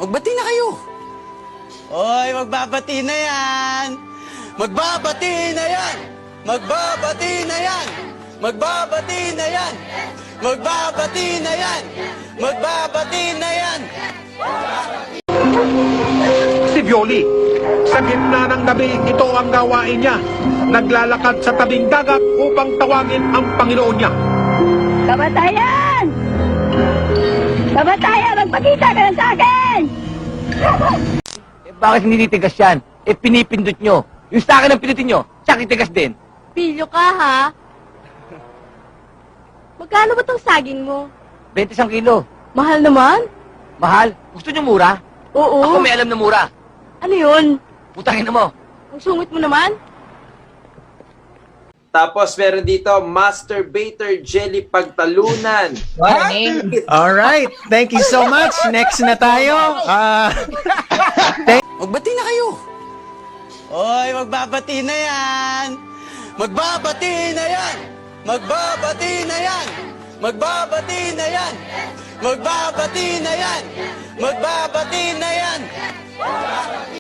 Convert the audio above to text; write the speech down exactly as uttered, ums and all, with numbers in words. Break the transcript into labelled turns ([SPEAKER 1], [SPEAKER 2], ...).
[SPEAKER 1] Magbati na kayo. Oy, magbabati na yan. Magbabati na yan. Magbabati na yan. Magbabati na yan. Magbabati na yan. Magbabati na yan.
[SPEAKER 2] Si Violi, sa gitna ng gabi, ito ang gawain niya. Naglalakad sa tabing dagat upang tawagin ang Panginoon niya.
[SPEAKER 3] Kamatayan! Kamatayan, magpakita ka na sa akin!
[SPEAKER 4] Eh, bakit hindi titigas yan? Eh, pinipindot nyo. Yung sa akin ang pinutin nyo, siya titigas din.
[SPEAKER 5] Pilyo ka, ha? Magkano ba tong saging mo?
[SPEAKER 4] twenty isang kilo.
[SPEAKER 5] Mahal naman?
[SPEAKER 4] Mahal? Gusto nyo mura?
[SPEAKER 5] Oo.
[SPEAKER 4] Ako may alam na mura.
[SPEAKER 5] Ano yun?
[SPEAKER 4] Putangin na mo.
[SPEAKER 5] Ang sungit mo naman?
[SPEAKER 6] Tapos meron dito, Masturbator Jelly Pagtalunan.
[SPEAKER 7] All right. Thank you so much. Next na tayo. Ah,
[SPEAKER 1] Magbati na kayo. Oy, magbabati na yan. Magbabati na yan. Magbabati na yan. Magbabati na yan. Magbabati na yan. Magbabati na yan.